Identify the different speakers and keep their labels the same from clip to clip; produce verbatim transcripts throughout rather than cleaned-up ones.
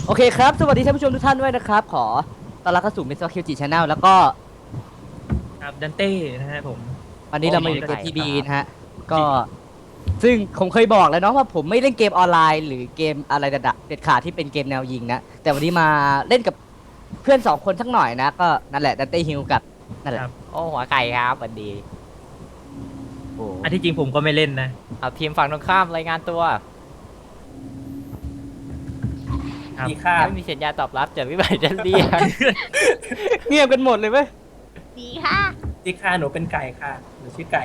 Speaker 1: โอเคครับสวัสดีท่านผู้ชมทุกท่านด้วยนะครับขอต้อนรับเข้าสู่ มิสเตอร์ คิว จี Channel แล้วก็
Speaker 2: ครับดันเต้นะฮะผม
Speaker 1: วันนี้เรามาอยู่ในเกม ที บี นะฮะก็ซึ่งผมเคยบอกแล้วเนาะว่าผมไม่เล่นเกมออนไลน์หรือเกมอะไรเด็ดขาดที่เป็นเกมแนวยิงนะแต่วันนี้มาเล่นกับเพื่อนสองคนสักหน่อยนะก็นั่นแหละดันเต้ฮิลกับนั่นแหละ
Speaker 3: โอ้หัวไก่ครับสวัสดี
Speaker 1: โอ้
Speaker 2: อันที่จริงผมก็ไม่เล่นนะ
Speaker 3: เอาทีมฝั่งตรงข้ามรายงานตัว
Speaker 2: ครับ
Speaker 4: ดีค่ะ
Speaker 3: ไม่มีสัญญาณตอบรับจากวิบัติจันเรียน
Speaker 1: เงียบกันหมดเลยเว้ย
Speaker 5: ดีค่ะ
Speaker 4: ดีค่ะหนูเป็นไก่ค่ะหนูชื่อไก่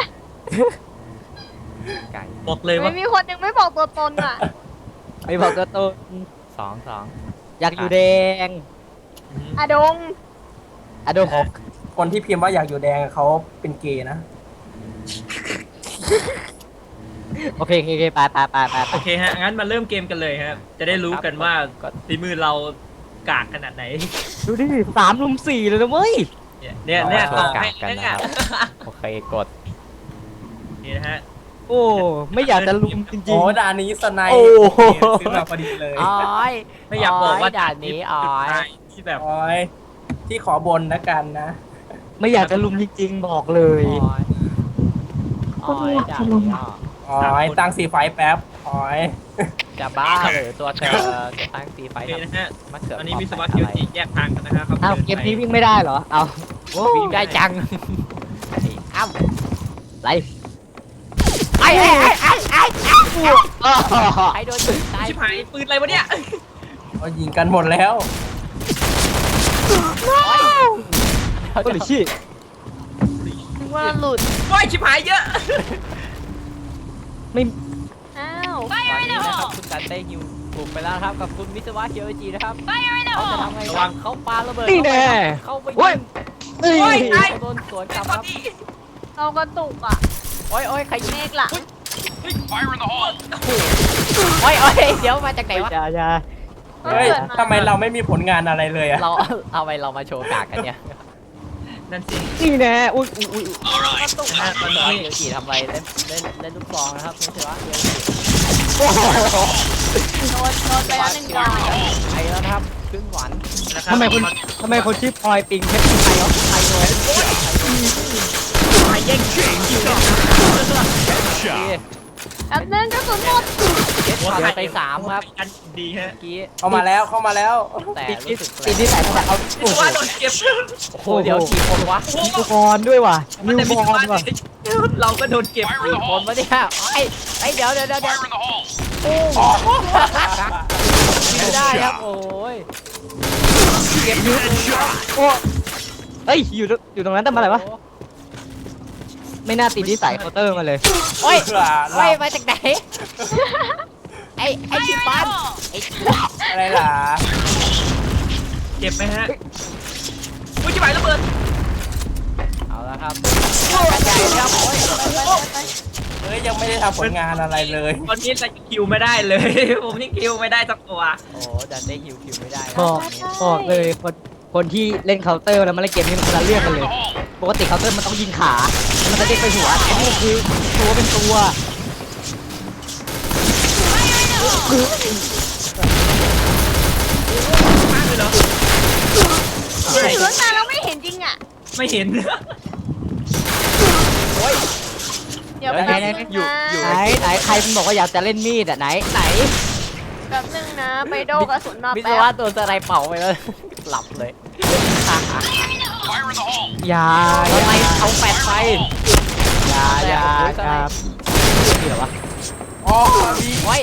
Speaker 3: ไก่
Speaker 2: บอกเลยว่า
Speaker 5: ไม่มีคนยังไม่บอกตัวตนอ่ะ
Speaker 1: ไม่บอกตัวตน
Speaker 3: สองสอง
Speaker 1: อยากอยู่แดง
Speaker 5: อะดง
Speaker 1: อะโดของ
Speaker 4: คนที่พิมพ์ว่าอยากอยู่แดงเขาเป็นเกย์นะ
Speaker 1: โอเคโอเคโอเคไปไปไปไปไป
Speaker 2: โอเคฮะงั้นมาเริ่มเกมกันเลยครับจะได้รู้กันว่าฝีมือเรากากขนาดไหน
Speaker 1: ดูดิสามลุมสี่เลยนะเว้ย
Speaker 2: เนี่ยเนี่ยเนี่ย
Speaker 3: โช
Speaker 2: ต่อ
Speaker 3: ว์กา
Speaker 2: ให้
Speaker 3: รกัน
Speaker 2: เนี่ย
Speaker 3: นะครับโอเคกด
Speaker 2: นี่นะฮะ
Speaker 1: โอ้ไม่อยากจะลุมจริ
Speaker 4: โอ้
Speaker 1: ง
Speaker 4: ด่านนี้สไนป์
Speaker 1: โอ้โห
Speaker 4: ซื้อมาพอดีเลย
Speaker 3: อ้อย
Speaker 2: ไม่อยากบอกว่า
Speaker 3: ด่านนี้อ้อย
Speaker 2: ที่แบบ
Speaker 4: โอ้ยที่ขอบนนะกันนะ
Speaker 1: ๆ ไม่อยากจะลุมจริงๆบอกเลย
Speaker 3: อ้อยอ้อยด่านนี้อ้อ
Speaker 4: โอ้ยตั้งสีไฟแป๊บโอ้ย
Speaker 3: จะบ้าหรือตัวเธอจะตั้งตีไฟ
Speaker 2: โอเคนะฮะ
Speaker 3: มะเขือ
Speaker 2: ตอนนี้วิศวะ
Speaker 3: อะ
Speaker 2: คิว
Speaker 3: ไร
Speaker 2: จีแยกทางกันนะครับ
Speaker 1: อ้าวเกมนี้วิ่งไม่ได้เหรอ เอาโอ้
Speaker 3: วิ่งได้จังอ้าว
Speaker 1: ไร
Speaker 3: ไอ้ไอ้ไอ้ไอ้ไอ้
Speaker 1: อ้าว
Speaker 3: ไอ้โดนยิงตาย
Speaker 2: ชิบหายปืนอะไรวะเนี่ย
Speaker 4: เขายิงกันหมดแล้ว
Speaker 1: ก็หรือชี้
Speaker 5: ถึงว่าหลุด
Speaker 2: โอ้ยชิบหายเยอะ
Speaker 1: ไม่
Speaker 5: อ้าว
Speaker 3: ตอนนี้นะครับคุณกันได้ฮิวบุกไปแล้วนะครับกับคุณมิสวะเคียวจีนะครับเขาจะทำไง
Speaker 2: ระวั
Speaker 3: บ้าง
Speaker 2: ง
Speaker 3: เขาปาระเบิด
Speaker 1: นี่แน่
Speaker 3: เข้าไป
Speaker 1: โอ้ย
Speaker 3: ยิง
Speaker 1: เอ้
Speaker 2: โอ้ย
Speaker 1: ย
Speaker 2: ตาย
Speaker 3: เขาโดนสวนกลับ
Speaker 2: ค
Speaker 3: ค
Speaker 2: รั
Speaker 3: รั
Speaker 2: บบ พี่
Speaker 5: เรากระตุกอ่ะ
Speaker 3: โอ้ยโอ้ยใครยิง
Speaker 5: เมฆหลัง
Speaker 3: โอ้ยโอ้ยเดี๋ยวมาจากไหนวะ
Speaker 1: อย่าอย่า
Speaker 4: เฮ้ยทำไมเราไม่มีผลงานอะไรเลยอะ
Speaker 3: เราเอาไปเรามาโชว์กากกันเนี่ย
Speaker 2: นั่นสิ
Speaker 1: นี่แน่อุ้ยอุ้ยอุ้ย
Speaker 2: นะฮะตอน
Speaker 3: มิส
Speaker 2: นี้
Speaker 3: วะเคียวจีทำอะไรเล่นเล่นเล่นลูกซองนะครับมิสวะเคียวจี
Speaker 1: โอ้โห
Speaker 5: โดนโดนไปแล้วหนึ่งดอก
Speaker 3: ไปแล้วนะครับครึ่งหวัน
Speaker 2: นะครับ
Speaker 1: ทำไมคนทำไมคนชื่อพลอยปิงเพชรไทยเอาไทยเลย
Speaker 2: ใครแย่งคิวคิวกัน
Speaker 5: แป๊บนึงกระสุนหมด
Speaker 3: เจ็ดช็อตไปสามครับ
Speaker 2: อันดีฮะ
Speaker 3: เมื่อกี้
Speaker 4: เข้ามาแล้วเข้ามาแล้ว
Speaker 3: แต่
Speaker 1: ติด
Speaker 3: รู้สึก
Speaker 1: ติดที่ใส่มาเอา
Speaker 2: วิ
Speaker 1: โอ้
Speaker 2: ศ
Speaker 1: โห
Speaker 2: วะโดนเก็บ
Speaker 3: โอ้โหเดี๋ยวกี่คนวะ
Speaker 1: นิวบอลด้วยว่ะนิว
Speaker 2: แต่
Speaker 1: บ
Speaker 2: วิศ
Speaker 1: อ
Speaker 2: วะ
Speaker 1: ลว่ะ
Speaker 2: เราก็โดนเก็บ
Speaker 3: กี่คนวะเนี่ยไอ้ไอ้เดี๋ยวเดี๋ยวเดี๋ยวเดี๋ยวไม่ได้ครับโอ้ย
Speaker 1: เก็บยูโอ้เอ้ยอยู่อยู่ตรงนั้นทำอะไรวะไม่น่าติดที่ใส่เคาน์เตอร์มาเลย
Speaker 3: โอ้ย
Speaker 4: เพื่อ
Speaker 3: โอ้ยมาจากไหนไอ้ไอ้ชิปันไอ้
Speaker 4: อะไรล่ะ
Speaker 2: เจ็บไหมฮะอุ้ยชิบหายระเบิด
Speaker 3: เอาละครับกระจายครับโอ้ย
Speaker 4: เฮ้ยยังไม่ได้ทำผลงานอะไรเลย
Speaker 2: ตอนนี้เราคิวไม่ได้เลย ผมยังคิวไม่ได้สักตัว
Speaker 3: โอ้ดันได้ฮิวคิวไม่ได้นะ
Speaker 1: บอกบอกเลยคนคนที่เล่นเคาน์เตอร์แล้วมาเล่นเกมนี้มันคนละเรื่องกันเลย ปกติเคาน์เตอร์มันต้องยิงขามันจะเด้งไปหัวอันนี้คือตัวเป็นตัว
Speaker 2: มากเลยเหรอ
Speaker 5: อยู่ตั้งนานแล้วไม่เห็นจริงอ่ะ
Speaker 2: ไม่เห็น
Speaker 5: เดี๋ยวแป๊บนึงนะ
Speaker 1: ไหนไหนใครมันบอกว่าอยากจะเล่นมีดอ่ะไหนไหน
Speaker 5: แป๊บนึงนะ ไปโดกระสุนมา
Speaker 3: มิส
Speaker 5: แป๊
Speaker 3: วะ
Speaker 5: บ
Speaker 3: ตัวสไลด์เป่าไปแล้วหลับเลย
Speaker 1: อย่า
Speaker 3: ทำไมเอาแปดไป
Speaker 1: อย่าอย่าครับนี่เหรอวะ
Speaker 4: อ๋อมี
Speaker 3: โอ้ย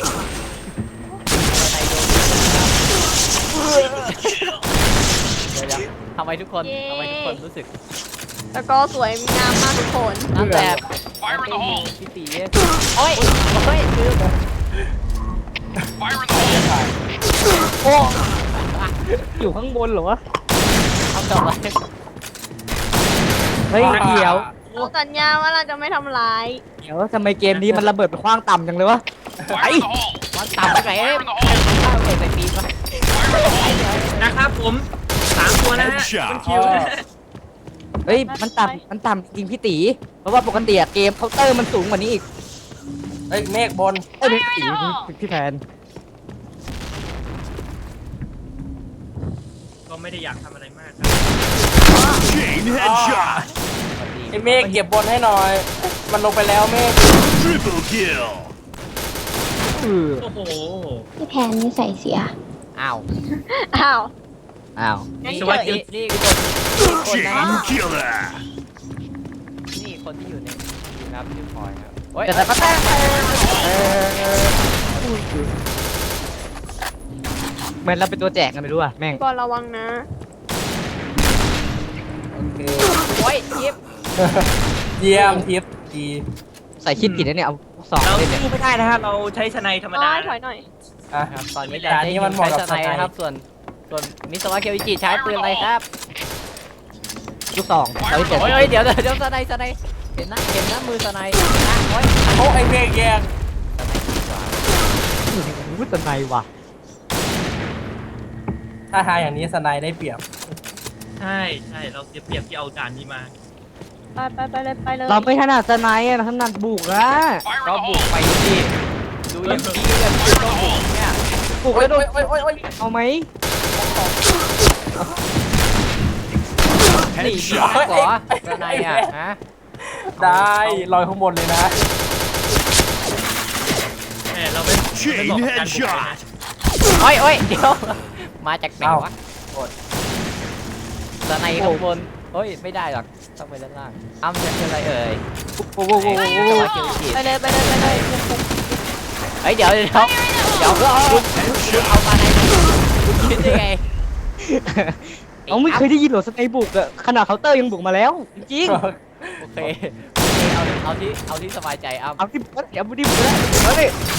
Speaker 3: เดี๋ยวๆทำไมทุกคนทำไมทุกคนรู้สึก
Speaker 5: แล้วก็สวยงามมากทุกคน
Speaker 3: นั่นแหละพี่ตีโอ้ยโอ้ยคือ
Speaker 1: โอ้อยู่ข้างบนเหรอวะ
Speaker 3: ทำจบเลย
Speaker 1: เฮ้ยเดี๋ยว
Speaker 5: เราสัญญาว่าเราจะไม่ทำร้าย
Speaker 1: เดี๋ยวทำไมเกมนี้มันระเบิดไปคว้างต่ำจังเลยวะไอ้
Speaker 3: มันต่ำไปไหนเอ้ยข้าวเด็กใส่ปีนมา
Speaker 2: นะครับผมสามตัวนะฮะคุณคิวนะฮะ
Speaker 1: เฮ้ยมันต่ำมันต่ำจริงพี่ตีเพราะว่าปกติอะเกมเคาน์เตอร์มันสูงกว่านี้อีก
Speaker 4: เฮ้ยเมฆบน
Speaker 1: เอ้ยพี่ตีพี่พี่แพน
Speaker 2: ก็ไม่ได้อยากทำอะไรมาก
Speaker 6: Chain headshot.
Speaker 4: ไอ้เมฆเก็บบนให้หน่อย มันลงไปแล้วเมฆ
Speaker 6: Triple kill.
Speaker 2: โอ้โห
Speaker 5: พี่แพนนี่ใส่เสีย
Speaker 3: อ้าว
Speaker 5: อ้าว
Speaker 1: อ้าว
Speaker 5: งั้น
Speaker 3: นี่
Speaker 5: เกิ
Speaker 3: ว่า
Speaker 5: ด
Speaker 3: นี่นี่คนคนนะ
Speaker 6: Chain killer.
Speaker 3: นี่คนที่อยู่ในทีมนะครับชื่อพลอยครับโอ้ย
Speaker 1: แต่แต่ก็แต่เหมือนเราเป็นตัวแจกกันไปด้วยแม่ง
Speaker 5: บอลระวังนะ
Speaker 4: โอเค
Speaker 3: โอ้ยยิบ
Speaker 4: เยี่ยมทิปดี
Speaker 1: ใส่คิดผิดนะเนี่ยเอาสอง
Speaker 2: เรา
Speaker 1: เล่นเนี่ย
Speaker 2: สู้ไม่ได้นะฮะเราใช้ชนัยธรรม
Speaker 5: อ๋
Speaker 2: ดา
Speaker 5: อถอยหน่อย
Speaker 4: อ่ะ
Speaker 3: ครับตอนนี้
Speaker 4: ด่านนี้มันเหมาะกับ
Speaker 3: ใช้สไนด์นะครับ ส่วนส่วนมิสวะเคียวอิจิใช้ปืนอะไรครับ
Speaker 1: ลูกสองเราที่เจ็ด
Speaker 3: โอ้ยโอ้ยเดี๋ยวเดี๋ยวเดี๋ยวสไนด์สไนด์เห็นนะเห็นนะมือสไนด์นะโอ้ย
Speaker 4: โอ้ไอ้เมฆแยก
Speaker 1: วุ้ตนายว่ะ
Speaker 4: ถ้าทางอย่างนี้สไนได้เปรียบ
Speaker 2: ใช่ใช่เราเสียเปรียบที่เอาด่านนี้มา
Speaker 5: ไปไปไปเลยไปเลย
Speaker 1: เราไม่ถนัดสไนด์อะเราถนัดบุกอะ
Speaker 3: ก็บุกไปสิดูอย่างที่กันก็บุกเนี่ย
Speaker 1: บุก
Speaker 4: โอ้
Speaker 1: แล้
Speaker 4: ยว
Speaker 1: โดน
Speaker 4: โอ้ยโอ้ยโอ้ย
Speaker 1: เอาไหม
Speaker 3: หนีดีมากเหรอสไนด์อ่ะฮะ
Speaker 4: ได้ลอยข้างบนเลยนะ
Speaker 2: แหมเราเป็น
Speaker 6: Chain headshot.
Speaker 3: โอ้ยโอ้ยเดี๋ยวมาจากไหน
Speaker 4: เอ้า
Speaker 3: วะสไนด์ข้างบนเฮ้ยไม่ได้หรอกต้องไปด้านล่างอ้ำจะเป็นอะไรเอ่ย
Speaker 1: โอ้โหโอ้โห
Speaker 3: มิ
Speaker 1: โอ้
Speaker 3: ส
Speaker 1: โห
Speaker 3: วะเคียวอิจิ
Speaker 5: ไปเลยไปเลยไปเลย
Speaker 3: เฮ้ยเดี๋ยวเดี๋ยวเดี๋ยวคุณคุณเอามาในคุณคิดได้ไง
Speaker 1: เอาไม่เคยได้ยินหรอสไนด์บุกอะขนาดเคาน์เตอร์ยังบุกมาแล้ว จริง
Speaker 3: โอเคโอเคเอาเอาที่เอาที่สบายใจอ้ำ
Speaker 1: เอาที่บุกเดี๋ยวบุกดิบุกแล้วเอาดิ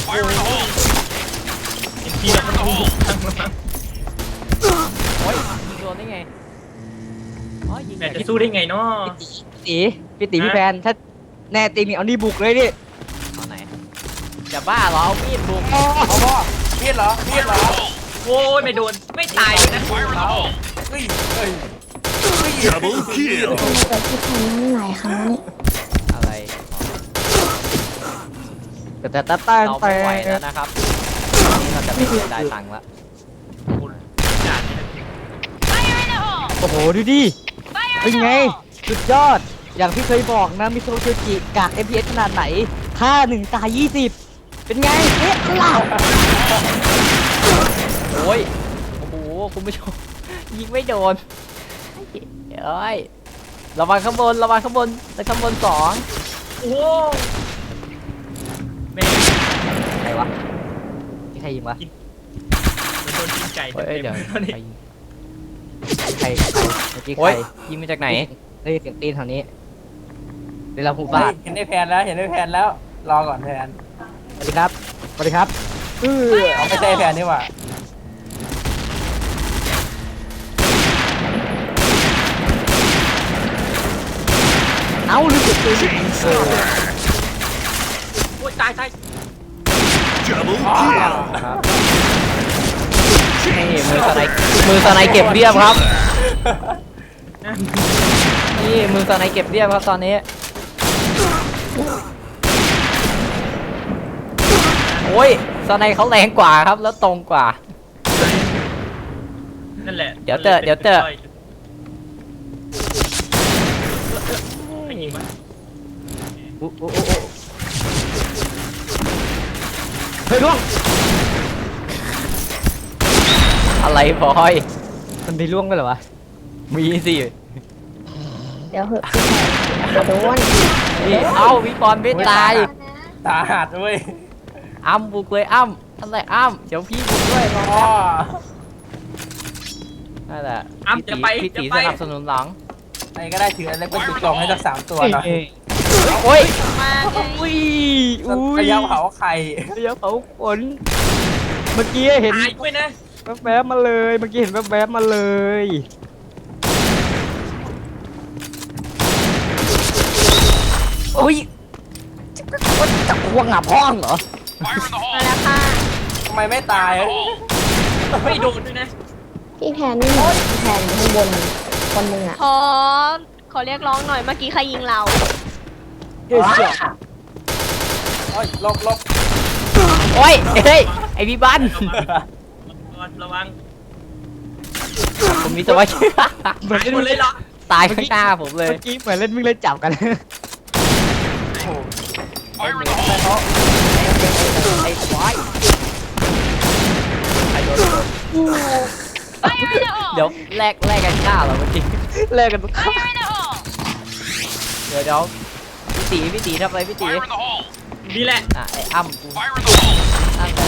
Speaker 2: เอ็มพีเรามันบุกทั้งมา
Speaker 3: โอ้ยยิงโดนได้ไงอ๋อยิง
Speaker 2: แหมจะสู้ได้ไงเนาะ
Speaker 1: ตีพี่ตีพี่แพนถ้าแน่จริงนี่เอานี่บุกเลยดิ
Speaker 3: เอาไหนจะบ้าเหรอเอามีดบุก
Speaker 4: เอาพ่อมีดเหรอมีดเหรอ
Speaker 2: โอ้ยไม่โดนไม่ตายเลยนะ
Speaker 4: เฮ้ยเฮ้ย
Speaker 6: Double kill.
Speaker 5: เกิดพี่แพนนี่หลายครั้งนี่
Speaker 3: อะไร
Speaker 1: แต่แต่แต่แต่
Speaker 3: เราไม่ไหวแล้วนะครับนี่เราจะไม่เสียดายตังค์ละ
Speaker 2: ด่านนี้นะ
Speaker 1: โอ้โหดูดิเป็นไงสุดยอดอย่างที่เคยบอกนะมิโซะเคียวจิกาก เอ็ม พี เอส ขนาดไหนค่าหนึ่งตายยี่สิบเป็นไงเอ๊ะล่ะ
Speaker 3: โอ้ยโอ้โหคุณผู้ชมยิงไม่โดนเอ้ยระวังข้างบนระวังข้างบนแต่ข้างบนสอง
Speaker 2: โอ้โหแม่
Speaker 1: ใครวะที่ใครยิงวะ
Speaker 2: มันโดนยิงไก่
Speaker 3: เฮ้ย
Speaker 2: เต็
Speaker 3: เดี๋ยว
Speaker 2: มๆตอนนี้
Speaker 3: ไป
Speaker 1: ใครใครเมื่อกี้ใค
Speaker 3: โอ้
Speaker 1: ร
Speaker 3: ยยิงมาจากไหน
Speaker 1: ได้ยินเสียงตีนแถวนี้เดี๋ยวเราหู
Speaker 4: เฮ้
Speaker 1: บาย ด
Speaker 4: เห็นได้แพนแล้วเห็นได้แพนแล้วรอก่อนแพน
Speaker 1: สวัสดีครับสวัสดีครับเออ
Speaker 4: เอาไม่ใช่แพนนี่หว่า
Speaker 1: เอ้าลืมเก็บปืน
Speaker 6: Chain sniper.
Speaker 2: โอ้ยตายตาย
Speaker 6: Double
Speaker 4: อ้าว
Speaker 6: kill.
Speaker 3: นี่มือสไนด์มือสไนด์เก็บเรียบครับ นี่มือสไนด์เก็บเรียบครับตอนนี้ โอ้ยสไนด์เขาแรงกว่าครับแล้วตรงกว่า
Speaker 2: นั่นแหละ
Speaker 3: เดี๋ยวเตอะเดี๋ยวเตอะ
Speaker 2: ไปยิงมัน
Speaker 1: โอ้โอ้โอ้โอ้เฮ้ยล่วง
Speaker 3: อะไรบอย
Speaker 1: มันมีล่วงด้วยเหรอวะ
Speaker 3: มีสิ
Speaker 5: เดี๋ยวเหอะพี่แพนเดี๋ยวโดน
Speaker 3: นี่เอ้าพี่บอลไม่ตาย
Speaker 4: ตาหัดเว้ย
Speaker 3: อ้ำบุกเลยอ้ำอะไรอ้ำเดี๋ยวพี่บุกด้วยรอ
Speaker 4: อ๋อ
Speaker 3: นั่นแหละ
Speaker 2: อ้ำจะไป
Speaker 3: พี่ตี
Speaker 2: จะ
Speaker 3: พี่
Speaker 2: ไป
Speaker 3: ตีสนับสนุนหลัง
Speaker 4: ไหนก็ได้ถืออะไรก็จุดกล่องให้สักสามตัวหน่อย
Speaker 3: โอ้ย
Speaker 5: มาไง
Speaker 1: อุ้ยอุ้ย
Speaker 4: ระยะเผาไข่
Speaker 1: ระยะเผาขนเมื่อกี้เห็น
Speaker 2: ตายด้วยนะ
Speaker 1: แวบๆมาเลยเมื่อกี้เห็นแวบๆมาเลยอุ้ยจะควงหงับห้องเหรอ
Speaker 5: มาแล้วค่ะ
Speaker 4: ทำไมไม่ตาย
Speaker 2: ไม่โดนด้วยนะ
Speaker 5: พี่แพนนี่พี่แพนข้างบนคนหนึ่งอ่ะขอขอเรียกร้องหน่อยเมื่อกี้ใครยิงเรา
Speaker 1: เฮ้ยเจ้า
Speaker 4: โอ้ยลบลบ
Speaker 3: โอ้ยเฮ้ยไอพี่บัน
Speaker 2: ระวังระวัง
Speaker 3: ผมมีตัวไว้
Speaker 1: เหมือน
Speaker 2: หายหมดเลยเหรอ
Speaker 3: ตายข้างหน้าผมเลย
Speaker 1: เมื่อกี้เหมือนเล่นวิ่งเล่นจับกัน
Speaker 3: ไอ้ควายไอ้โดนเดี๋ยวแลกแลกกันฆ่าเหรอเมื่อกี้
Speaker 1: เล่นกันทุกคน
Speaker 3: เดี๋ยวเดี๋ยวพี่ตีพี่ตีทำอะไรพี่ตี
Speaker 2: นี่แหละ
Speaker 3: อ่ะไอ้อ้ำกูนั่นแหละ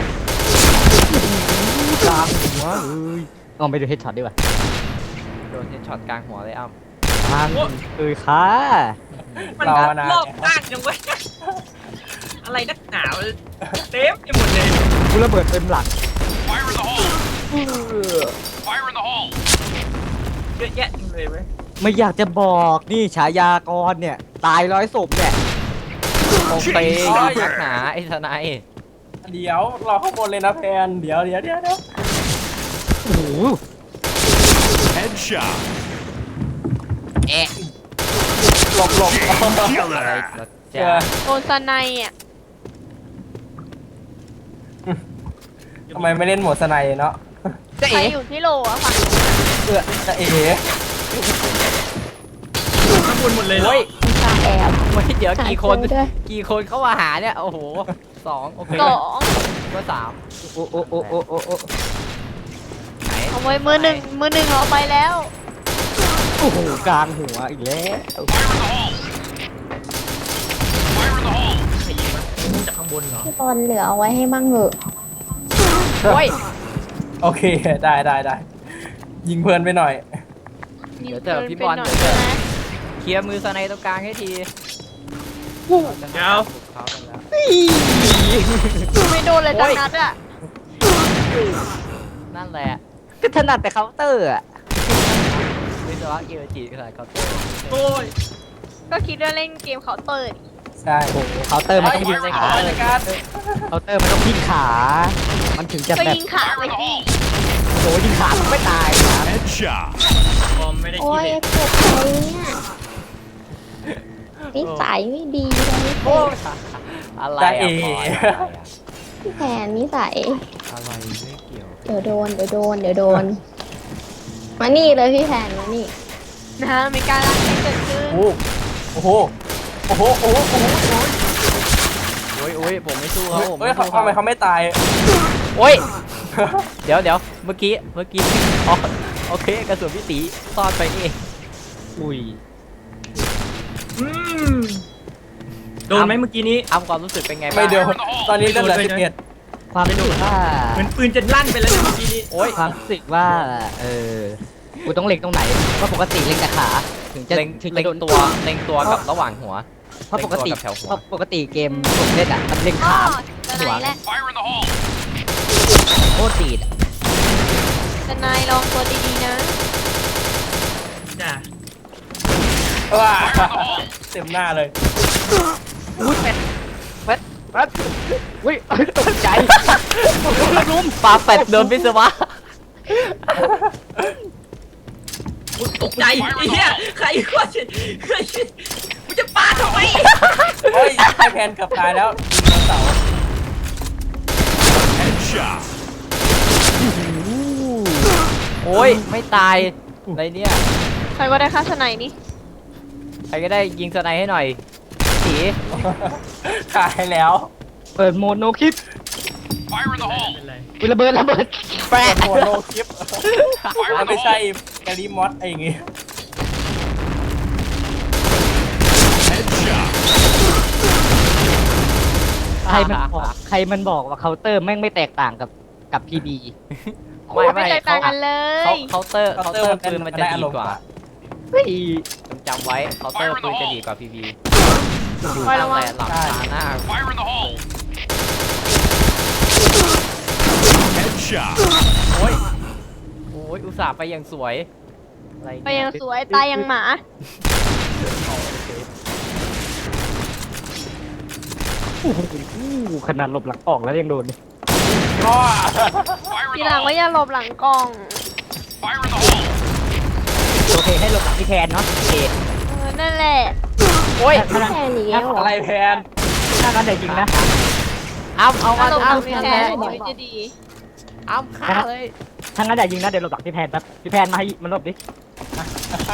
Speaker 1: กลางหัวเอ้ยเอาไปดูเฮดช็อตดีกว่า
Speaker 3: โดนเฮดช็อตกลางหัวเลยอ้ำ
Speaker 1: ทางเอ้ยค่ะ
Speaker 2: มัน
Speaker 4: รอมานาน
Speaker 2: รอบข้างจังเว้ยอะไรนักหนาวเต็มไปหมดเลย
Speaker 1: กูระเบิดเต็มหลัง
Speaker 2: เยอะแยะเลยเว้ย
Speaker 1: ไม่อยากจะบอกนี่ฉายากรเนี่ย ตายร้อยศพเนี่ย
Speaker 3: คงไปนักหนาไอ้ทนาย
Speaker 4: เดี๋ยวรอข้างบนเลยนะแพนเดี๋ยวเดี๋ยวเดี๋ยวเดี๋ยว
Speaker 1: โอ้โห
Speaker 6: Headshot.
Speaker 3: เอ๊ะ
Speaker 4: หลบหลบ
Speaker 3: อะไร
Speaker 6: Killer.
Speaker 3: เหรอ
Speaker 4: เจ
Speaker 3: จ๊ะ
Speaker 4: อ
Speaker 5: โดนสไนอ่ะ
Speaker 4: ทำไมไม่เล่นโหมดสไนเนาะ
Speaker 1: จะ
Speaker 5: ใคร
Speaker 1: เอ๋
Speaker 5: อยู่ที่โลอะฝั่ง
Speaker 4: เออจะเอ๋
Speaker 2: ข้างบนหมดเลยเหรอ
Speaker 3: เฮ้ย
Speaker 5: ตาแอบ
Speaker 3: ไม่เดี๋ยวกี่คน
Speaker 5: หายตัวด้วย
Speaker 3: กี่คนเข้ามาหาเนี่ย โอ้โหสองโอเค
Speaker 5: สอง
Speaker 3: ก็สาม
Speaker 1: โอ้โอ้โอ้โอ้โอ้โอ้
Speaker 3: ไหน
Speaker 5: เอาไว้มือหนึ่งมือหนึ่งเอาไปแล้ว
Speaker 1: โอ้โหกลางหัวอีกแล้ว
Speaker 2: ใครยิงวะจากข้างบนเหรอ
Speaker 5: พี่บอลเหลือเอาไว้ให้มั่งเหอะ
Speaker 3: โอ้ย
Speaker 4: โอเคได้ได้ได้ยิงเพลินไปหน่อย
Speaker 3: เดี๋ยวเถอะพี่บอล
Speaker 5: หน่
Speaker 3: เดี๋
Speaker 5: อ
Speaker 3: ยวเถอะ
Speaker 5: นะ
Speaker 3: เคลียร์มือสไนตรงกลางให้ที
Speaker 2: เดี๋ยว
Speaker 3: เขากันแล้ว
Speaker 5: ไม่โดนเลยจังนัดอ่ะ
Speaker 3: นั่นแหละ
Speaker 1: ก็ถนัดแต่เคาน์เตอร์อะ
Speaker 3: วิศวะเกียร์จีขนาดเคาน์เตอร์
Speaker 2: โอ้ย
Speaker 5: ก็คิดว่าเล่นเกมเขาน์เตอร์
Speaker 4: ใช่
Speaker 1: โอ้โหเคาน์เตอร์มันต้อง
Speaker 4: ยิ
Speaker 1: ยิ
Speaker 4: ง
Speaker 1: ง
Speaker 4: ใน
Speaker 1: ขา
Speaker 4: ขาเลยการ
Speaker 1: เคาน์เตอร์มันต้องยิงขา มันถึงจะ
Speaker 5: ก็
Speaker 1: แบบ
Speaker 5: ยิงขาไปสิ
Speaker 1: โอ้ยิงขามันไม่ตายนะ
Speaker 6: Headshot.
Speaker 2: บอมไม่ได้
Speaker 5: โอ้
Speaker 2: คิด
Speaker 5: ย
Speaker 2: เลย
Speaker 5: เจ็บใจเนี่ยนิสัยไม่ดีเลย
Speaker 3: โอ้ยอะไร
Speaker 4: จะ
Speaker 3: อะ
Speaker 4: เอ๋
Speaker 3: พลอยอะไรอะ
Speaker 5: พี่แผนนิสัย
Speaker 3: อะไรไม่เกี่ยว
Speaker 5: เดี๋ยวโดน เดี๋ยวโดน เดี๋ยวโดน มานี่เลยพี่แผนมานี่นะมีการรักให้เกิดขึ้น
Speaker 4: โอ้โหโอ้โหโอ้โหโอ้โหโอ้โห
Speaker 3: โอ้ยโอ้ยผมไม่สู้เขาผม
Speaker 4: เฮ้ย
Speaker 3: ไม่
Speaker 4: เขา
Speaker 3: สู้
Speaker 4: ทำไมเขาไม่ตาย
Speaker 3: โอ้ยเดี๋ยวเดี๋ยวเมื่อกี้เมื่อกี้อ๋อโอเคกระสุนพี่ตีซ่อนไปนี่เอง
Speaker 1: อุ้ย
Speaker 2: อืมโดนไหมเมื่อกี้นี้
Speaker 3: อ้ำความรู้สึกเป็นไงบ้าง
Speaker 4: ไม่เดียวตอนนี้เหลือสิบเอ็ด
Speaker 1: ความรู้สึกว่า
Speaker 2: เหมือนปืนจะลั่นไปแล้วเนี่ยเมื่อกี้นี้
Speaker 3: โอ้ย
Speaker 1: ความรู้สึกว่า เออ กูต้องเล็งตรงไหนเพราะปกติเล็งแต่ขา ถึงจะ
Speaker 3: เล็ง
Speaker 1: ถึง
Speaker 3: เล็
Speaker 1: จะ
Speaker 3: ง
Speaker 1: โดน
Speaker 3: ตัวเล็งตัวกับระหว่างหัว
Speaker 1: เพราะปกติ
Speaker 3: เล็งตัวกับแถวหัว
Speaker 1: เพราะปกติเกมผมเล่นอ่ะมันเล็ง
Speaker 5: อ๋อ
Speaker 1: ขา
Speaker 5: จะไหนแหละ
Speaker 1: โคตรตีดอะ
Speaker 5: จะนายลองตัวดีๆนะ
Speaker 2: จ้ะ
Speaker 4: ว้าเต็มหน้าเลย
Speaker 1: อุ้ยเป็ดเป็ดเป็ดอุ้ยตกใจ
Speaker 3: ลุ้มปลาเป็ดโดนวิศวะ
Speaker 2: ตกใจไอ้เหี้ยใครว่าจะใครมึงจะปาทำไม
Speaker 4: โอ้ยไอแพนเกือบตายแล้วยิงเสา
Speaker 6: Headshot.
Speaker 3: โอ้ยไม่ตายอะไรเนี่ย
Speaker 5: ใครว่าได้ค่าสไนด์นี่
Speaker 3: ใครก็ได้ยิงสไนให้หน่อยตี
Speaker 4: ตายแล้ว
Speaker 1: เปิดโหมดโนคลิป
Speaker 2: ไม่เป็นไร
Speaker 1: อุ้ยระเบิดระเบิดแปะ
Speaker 4: โอ้โหโลคลิปแล้วไม่ใช่แกลิมอสไอ้อย่างงี้
Speaker 6: Headshot.
Speaker 1: ใครมันบอกใครมันบอกว่าเคาน์เตอร์แม่งไม่แตกต่างกับกับพีบี
Speaker 3: ไม่
Speaker 5: ไม่
Speaker 3: ไม่
Speaker 5: แตกต่างกันเล
Speaker 3: เขา
Speaker 5: ย
Speaker 3: เคาน์เตอร์เคาน์เตอร์ปืนมันจะดีกว่า
Speaker 1: เฮ้ย
Speaker 3: จำไว้เคาน์เตอร์ปืนจะดีกว่าพีบี
Speaker 5: คอยระวัง
Speaker 3: แต่หลังตาหน้า
Speaker 6: Headshot.
Speaker 3: โอ้ยโอ้ยอุตส่าห์ไปอย่างสวยอะไร
Speaker 5: ไป
Speaker 3: เนี่
Speaker 5: ยังสวยตายยังหมา
Speaker 1: โอ้โหขนาดหลบหลังออกแล้วยังโดน
Speaker 4: ก็
Speaker 5: ทีหลังว่าอย่าหลบหลังกล่อง
Speaker 1: โอเคให้หลบหลังพี่แทนเนาะโอเค
Speaker 5: เออนั่นแหละ
Speaker 3: โอ้ย
Speaker 1: ถ้านั้น
Speaker 5: แค่นี้เหรอ
Speaker 4: อะไรแพน
Speaker 1: ถ้านั้นเดี๋ยวจริงนะ
Speaker 3: อ้ำเอา
Speaker 5: ถ้า
Speaker 3: มา
Speaker 5: หลบหลั
Speaker 3: อ้ำ
Speaker 5: งพี่แทนชีวิตจะดี
Speaker 3: อ้ำฆ่าเลย
Speaker 1: ถ้างั้นอย่ายิงนะเดี๋ยวหลบหลังพี่แพนแป๊บพี่แพนมาให้มันหลบดิ
Speaker 4: ใช่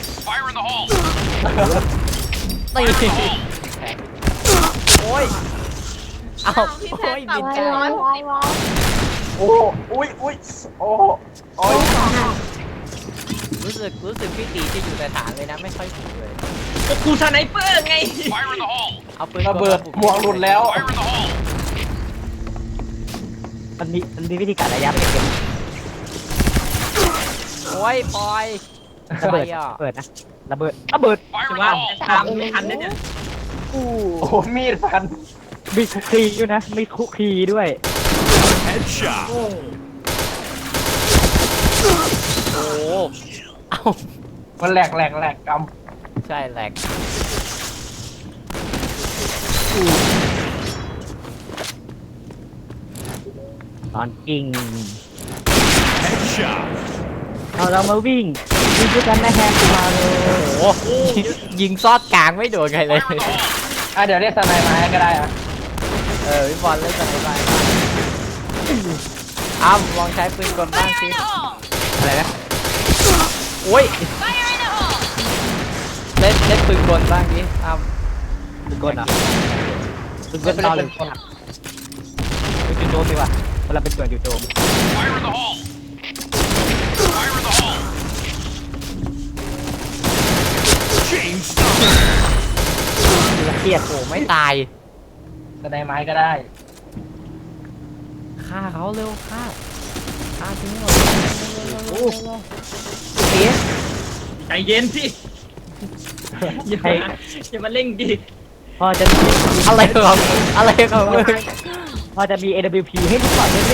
Speaker 3: ตีโอ้ยเอา
Speaker 5: พี่แพ
Speaker 3: โอ้
Speaker 5: น
Speaker 3: ย
Speaker 5: ปรับ
Speaker 3: บิน
Speaker 5: ให้
Speaker 3: ได้
Speaker 5: ร้อยร้อยร้อย
Speaker 4: โอ้อุ้ยอุ้ยโอ้โอ้ย
Speaker 3: รู้สึกรู้สึกพี่ตีจะอยู่แต่ฐานเลยนะไม่ค่อยถูกเลย
Speaker 2: ก็กูสไนเปอร์ไง
Speaker 3: เอาปืน
Speaker 4: ระเบิดหมวกหลุดแล้ว
Speaker 1: มันมีมันมีวิธีการระยะเป็นเกม
Speaker 3: โอ้ยปล่อย
Speaker 1: ระเบิด
Speaker 3: ใคอ่ะ
Speaker 1: ระเบิดนะระเบิดระเบิด
Speaker 2: จะว่าตามไม่ทันนะเนี่ย
Speaker 1: อู้
Speaker 4: โอ้มีดฟัน
Speaker 1: มีคุกคีด้วยนะมีคุกคีด้วย
Speaker 6: Headshot.
Speaker 3: โอ้โหเอ้า
Speaker 4: มันแหลกแหลกแหลกก
Speaker 3: ใช่แหลก
Speaker 1: ตอนกิ่ง
Speaker 6: Headshot.
Speaker 1: เอาเรามาวิ่งวิ่งด้วยกันนะแฮมมาเลย
Speaker 3: โอ้โหยิงซอดกลางไม่โดนใครเลย
Speaker 4: ำอ่ะเดี๋ยวเรียกสไนมาให้ก็ได้อ่ะ
Speaker 3: เออพี่บอลเล่นกันไปอ้าวลองใช้ปืนกลบ้างสิอะไรนะโอ้ยเล่นเล่นปืนกลบ้างดิอ้าว
Speaker 1: ปืนกลเหรอปืนกลตอนเลยปืนจุดโจมดีกว่าเวลาเป็นส่วนจุดโจม
Speaker 6: Chain stopper.
Speaker 1: เครียด
Speaker 3: โอ้ไม่ตาย
Speaker 4: สไนไม้ก็ได้
Speaker 3: ฆ่าเขาเร็วฆ่าฆ่าทิ้งหมด
Speaker 1: โอ้
Speaker 3: เสีย
Speaker 2: ใจเย็นสิอย่ามาอย่ามาเร่งดิ
Speaker 1: พอจะ
Speaker 3: อะไรของอะไรของมึง
Speaker 1: พอจะมี เอ ดับเบิลยู พี ให้ทุกคนได้ไหม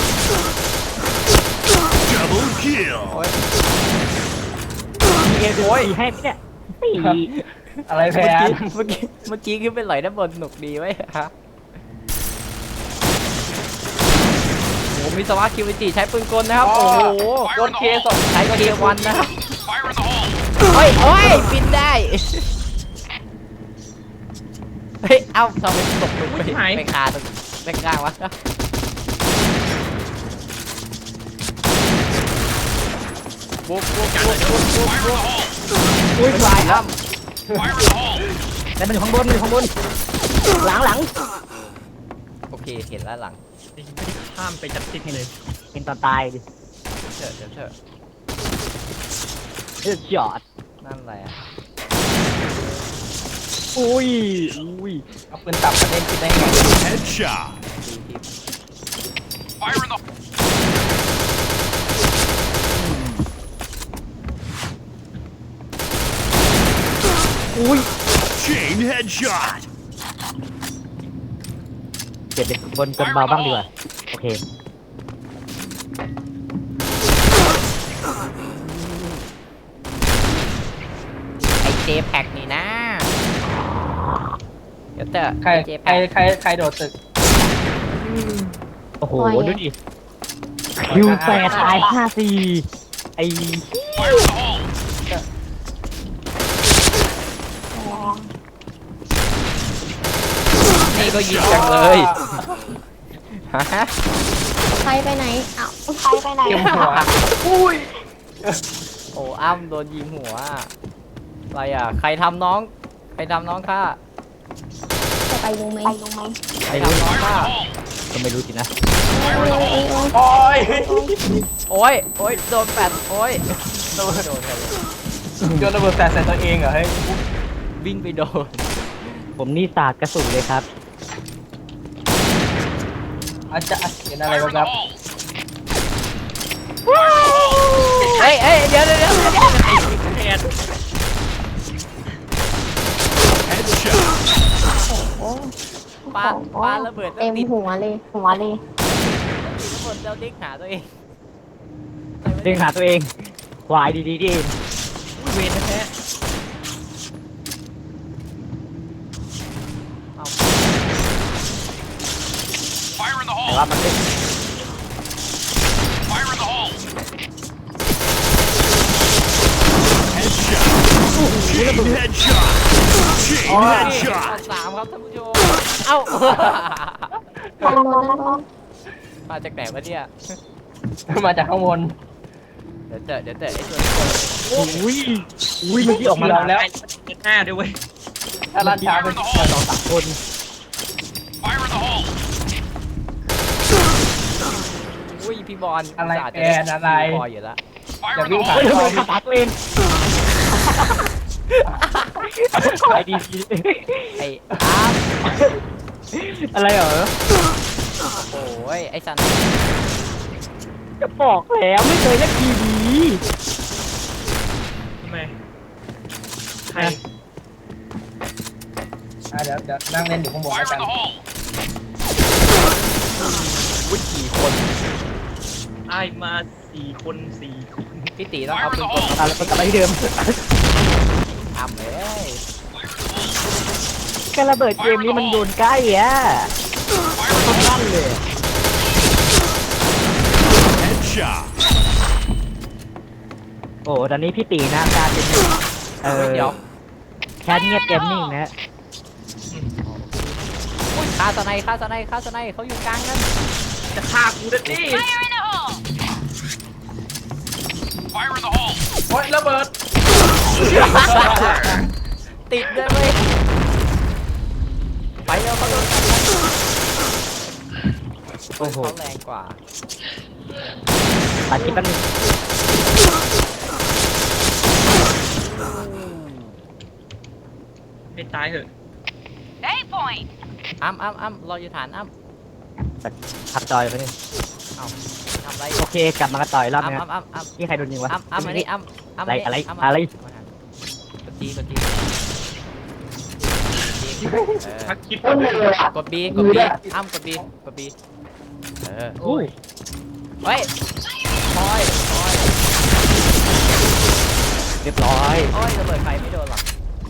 Speaker 6: Double kill.
Speaker 3: โอ้ย
Speaker 1: มี เอ ดับเบิลยู พี ให้ไหมเนี่ยสี่
Speaker 4: อะไรแพ
Speaker 3: เมื่อน กี้เมื่อกี้เมื่อกี้ขึ้นไปไหลด้านบนหนุกดีไว้ฮะโอ้มีสวาคิวจิใช้ปืนกลนะครับโอ้โห
Speaker 4: โดนเคสอง
Speaker 3: ใช้เกียร์วันนะครับเฮ้ยโอ้ยบินได้เฮ้ยเอ้าทำไมตกลงไปไปคาตรงไปกลางวะบุกบุกบุกบุกบุกบุก
Speaker 1: อุ้ย
Speaker 3: ไป
Speaker 1: ฟลาย
Speaker 3: แล้ว
Speaker 1: แต่มันอยู่ข้างบนมันอยู่ข้างบนหลังหลัง
Speaker 3: โอเคเห็นแล้วหลัง
Speaker 2: ไม่ได้ข้ามไปจับติดเลย
Speaker 1: เป็นตอนตายดิ
Speaker 3: เถอะเถอะเถอะ
Speaker 1: เลือดจอด
Speaker 3: นั่นอะไรอ่ะ
Speaker 1: อุ้ยอุ้ย
Speaker 4: เอาปืนตับประเด็นคิดได้ไง
Speaker 6: Headshot.
Speaker 1: อุ้ย
Speaker 6: Chain headshot.
Speaker 1: เปลี่ยนเป็นบนกลเบาบ้างดีกว่าโอเค
Speaker 3: ไอเจแพ็กนี่นะเดี๋ยวเถอะ
Speaker 4: ใคร
Speaker 3: เจ
Speaker 4: ใคร
Speaker 3: แพ็ก
Speaker 4: ใครใครโดดตึก
Speaker 1: โอ้โหดูดิคิวแปดตายห้าสี่ไอ
Speaker 3: นี่ก็ยิงจังเลยฮะ
Speaker 5: ใครไปไหนอ้าวใครไปไหน
Speaker 4: เก็บหัว
Speaker 3: โอ้อ้ำโดนยิงหัวอะไรอ่ะใครทำน้องใครทำน้องข้า
Speaker 5: จะไปรู้ไหมไปรู้ไหม
Speaker 3: ใครทำน้องข้า
Speaker 1: ก็ไม่รู้สินะ
Speaker 4: โอ้ย
Speaker 3: โอ้ยโอ้ยโดนแปดโอ้ยโดนโดนใครเลย
Speaker 4: โยนระเบิดแฟร์ใส่ตัวเองเหรอเฮ้ย
Speaker 3: วิ่งไปโดน
Speaker 1: ผมนี่ศาสตร์กระสุนเลยครับ
Speaker 4: อาจจะเห็นอะไรบ้างครับ
Speaker 3: เฮ้ยเฮ้ยเดี๋ยวเดี๋ยวเดี๋ยวเดี๋ยว
Speaker 2: แทน
Speaker 6: Headshot.
Speaker 5: โอ้
Speaker 3: ปาปาระเบิดแล้ว
Speaker 5: เต็ม
Speaker 3: ติด
Speaker 5: หัวเลยหัวเลย
Speaker 3: ระเบิดแล้วดิ้งหาตัวเอง
Speaker 1: เด้งหาตัวเองควายดีๆที่เอง
Speaker 2: อุ้ยเวรแท้
Speaker 1: แต่ว่ามันเป็น
Speaker 6: Headshot. Chain headshot. Chain
Speaker 3: ข้อ
Speaker 6: headshot.
Speaker 3: สามครับท่านผู้ชมเอ้า
Speaker 5: ด้านบนด้านบน
Speaker 3: มาจากไหนวะเนี่ย
Speaker 4: มาจากข้างบน
Speaker 3: เดี๋ยวเจอเดี๋ยวเจอไอ้ตัว
Speaker 1: อุ้ยอุ้ยเมื่อกี้ออกมา
Speaker 4: เราแล้ว
Speaker 2: เจ็ดหน้าด้วยเว้ย
Speaker 4: ถ้าลัดช้าเป็นสองสามคน
Speaker 6: Fire in the hole!
Speaker 3: อุ้ยพี่บอล
Speaker 4: อะไร
Speaker 3: สาด
Speaker 4: แกนอะไร
Speaker 3: พออยู่แล้ว
Speaker 6: Fire
Speaker 4: อย่า
Speaker 6: in the
Speaker 4: วิ่งผ่าน
Speaker 6: hole!
Speaker 1: เฮ้ยทำไมขับตัดตัวเองไปดี
Speaker 3: ไอ้อาร์ม
Speaker 1: อะไรเหรอ
Speaker 3: โอ้ยไอ้สัน
Speaker 1: จะบอกแล้วไม่เคยเล่นทีวี
Speaker 2: ทำไมใคร
Speaker 4: อ่ะเดี๋ยวเดี๋ยวนั่งเล่นอยู่ข้างบน
Speaker 6: Fire
Speaker 4: แล้วกั
Speaker 6: in
Speaker 4: น
Speaker 6: the hole!
Speaker 3: อุ้ยกี่คน
Speaker 2: ไอ้มาสี่คนสี่คน
Speaker 3: พี่ตีต้องเอาปืนกล
Speaker 1: อ่ะแล้วก็กลับไปที่เดิม
Speaker 3: ทำเลย
Speaker 1: การระเบิดเกมนี้มันโดนใกล้อ่ะค่อนข้างเลย
Speaker 6: Headshot!
Speaker 1: โอ้ตอนนี้พี่ตีนะการเป็นเออ
Speaker 3: เดี๋ยว
Speaker 1: แคทเงียบเกมนิ่งนะ
Speaker 3: อุ้ยคาสไนคาสไนคาสไนเขาอยู่กลางนั้น
Speaker 2: จะฆ่ากูนะดิ
Speaker 6: Fire in the hole!
Speaker 4: โอ๊ยระเบิด
Speaker 3: ติดด้วยเว้ยไปแล้วเขาโดน
Speaker 1: โอ้โห
Speaker 3: เขาแรงกว่า
Speaker 1: ตัดคลิปแป๊บนึง
Speaker 2: ให้ตายเถอะ
Speaker 3: อ้ำอ้ำอ้ำรออยู่ฐานอ้ำ
Speaker 1: ขับจอยไปนี่
Speaker 3: เอาทำไร
Speaker 1: โอเคกลับมากระต่อยรอบ
Speaker 3: อ้ำ
Speaker 1: นี้
Speaker 3: อ้ำอ้ำอ้ำ
Speaker 1: นี่ใครโดนยิงวะ
Speaker 3: อ้ำอ้ำอันนี้อ้ำอ้ำ
Speaker 1: อะไรอะไร
Speaker 3: อ้ำ
Speaker 1: อะไร
Speaker 3: กดจีกดจีเออ
Speaker 2: พักคลิป
Speaker 3: กดบีกดบีอ้ำกดบีกดบีเออ
Speaker 1: โอ้ย
Speaker 3: เฮ้ยคอยคอย
Speaker 1: เรียบร้อย
Speaker 3: โอ้ยระเบิดไฟไม่โดนหรอก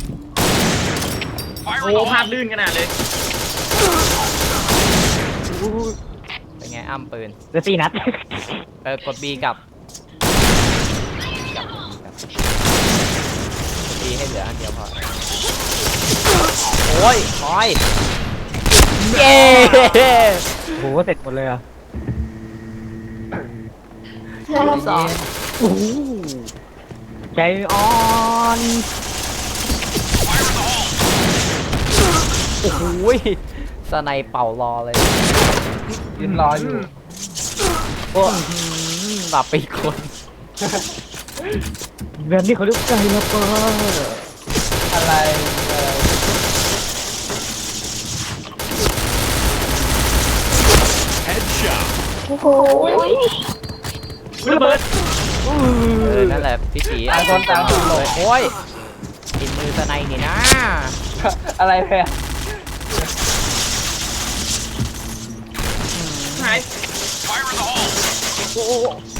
Speaker 6: Fire
Speaker 2: โอ้
Speaker 6: in the
Speaker 2: ภาพ
Speaker 6: hole!
Speaker 2: ลื่นขนาดเลย
Speaker 3: เป็นไงอ้ำปืน
Speaker 1: เหลือสี่นัด
Speaker 3: เออกดบีกับกับกดบีให้เหลืออันเดียวพอโอ้ยคอยเย้
Speaker 1: โหเสร็จหมดเลยอ่ะ
Speaker 5: สอง
Speaker 1: โอ้โหใจอ่อน
Speaker 6: Fire in the hole!
Speaker 3: โอ้โหสไนเป่ารอเลย
Speaker 4: ยืนรออยู่
Speaker 3: โอ้หลับไปอีกคน
Speaker 1: แบบนี้เขาเรียกใจละเปอ
Speaker 4: อะไรเอ่ย
Speaker 6: Headshot!
Speaker 5: โอ้โห
Speaker 2: ระเบิด
Speaker 3: เออนั่นแหละพี่ตี
Speaker 4: ต่างคนต่างถูกหล
Speaker 3: เลย
Speaker 4: บ
Speaker 3: โอ้ยติดมือสไนนี่นะ
Speaker 4: อะไรแพ้
Speaker 2: หาย
Speaker 6: Fire in the hole!
Speaker 2: โอ้โห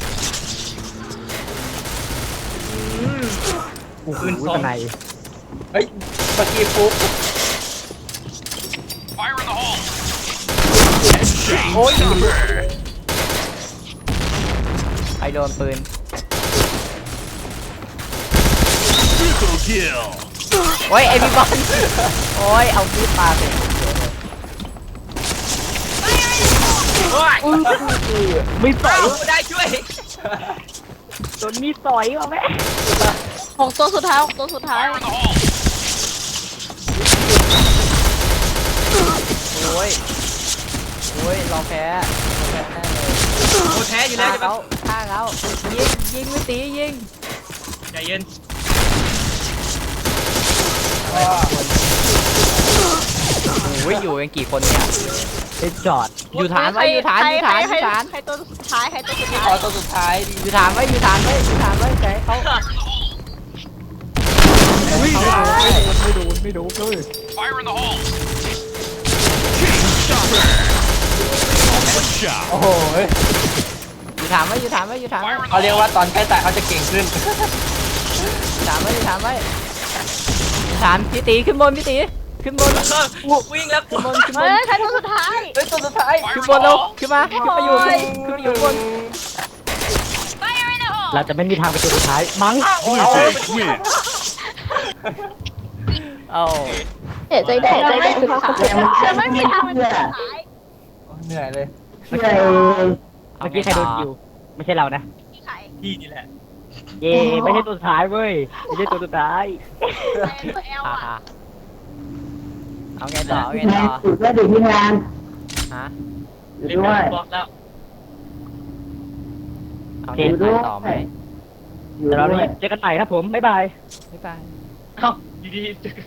Speaker 1: โอ้โห
Speaker 2: ปืนสอง
Speaker 1: สไน
Speaker 4: เฮ้ยเมื่อกี้ฟุ๊ก
Speaker 6: Fire in the hole! Headshot!
Speaker 4: โอ้ย
Speaker 3: ใครโดนปืน
Speaker 6: Triple kill!
Speaker 3: โอ้ยไอพี่บอลโอ้ยเอามีดปาเสร็จ
Speaker 2: โอ้ย
Speaker 1: ไม่ต่อย
Speaker 2: เอาได้ช่วย
Speaker 1: โดนมีดต่อยมาแม่
Speaker 5: หกตัวสุดท้ายหกตัวสุดท้าย
Speaker 6: Fire in the hole!
Speaker 3: โอ้ยโอ้ยเราแพ้เราแพ้แน่เลย
Speaker 2: โอ้แพ้อยู่แล้ว
Speaker 3: ฆ่า
Speaker 2: ใช่ปะ
Speaker 3: เขาฆ่าเขายิงยิงไม่ตียิง
Speaker 2: ใจเย็น
Speaker 3: โอ้ยอยู่กันกี่คนเนี่ย
Speaker 1: เป็นจอด
Speaker 3: อยู่ฐานไว้อยู่ฐานอยู่ฐานอยู่ฐาน
Speaker 5: ใครตัวสุดท้ายใครตัวสุดท้า
Speaker 4: ขอย ตัวสุดท้าย
Speaker 3: อยู่ฐานไว้อยู่ฐานไว้อยู่ฐานไว้ใจเขา
Speaker 1: ไม่โดนไม่โดนไม่โดนเลย
Speaker 6: Fire in the hole! Chain stopper! Headshot!
Speaker 4: โอ้โห
Speaker 3: อยู่ฐานไว้อยู่ฐานไว้อยู่ฐานไว้
Speaker 6: Fire in
Speaker 4: เขา
Speaker 6: the
Speaker 4: เรียก
Speaker 6: hole!
Speaker 4: ว่าตอนใกล้ตายเขาจะเก่งขึ้น
Speaker 3: อยู่ฐานไว้อยู่ฐานไว้อยู่ฐานพี่ตีขึ้นบนพี่ตีขึ้นบน
Speaker 2: เออวิ่งแล้ว
Speaker 3: ขึ้นบนขึ้นบ
Speaker 5: เฮ้
Speaker 3: น
Speaker 5: ยใครตัวสุดท้าย
Speaker 4: เฮ้ยตัวสุดท้าย
Speaker 6: Fire
Speaker 3: ขึ้น
Speaker 6: in
Speaker 3: บ
Speaker 6: the
Speaker 3: นเร็ว
Speaker 6: hole!
Speaker 3: ขึ้นมาขึ้นมาอยู่ขึ้นขึ้นมาอยู่บน
Speaker 1: เราจะไม่มีทางไปตัวสุดท้ายมั้ง
Speaker 6: Defense win!
Speaker 3: เอา
Speaker 5: เสียใจได้ใจได้สุดท้ายจะไม่มีทางเป็นสุดท้าย
Speaker 4: เหนื่อยเลย
Speaker 1: เมื่อกี้ใครโดนอยู่ไม่ใช่เรานะ
Speaker 5: มีใคร
Speaker 2: พี่นี่แหละ
Speaker 1: เย่ไม่ใช่ตัวสุดท้ายเว้ยไม่ใช่ตัวสุดท้าย
Speaker 5: ตัวแอล
Speaker 3: อ่า
Speaker 5: อ่ะ
Speaker 3: ๆเอาไงต่อเอาไงต่อ
Speaker 7: สุดแล้วดิพี่งาน
Speaker 3: ฮะ
Speaker 7: อยู่
Speaker 2: เล่น
Speaker 7: ด้
Speaker 2: กั
Speaker 7: วย
Speaker 2: บบอกแล้ว
Speaker 3: เอาไงไปต่อไหม
Speaker 7: อยู่
Speaker 1: เดี๋ยวเรา
Speaker 7: ด้วย
Speaker 1: เจอกันใหม่ครับผมบ๊ายบาย
Speaker 3: บ๊ายบาย
Speaker 2: เอ้าอยู่ดีๆ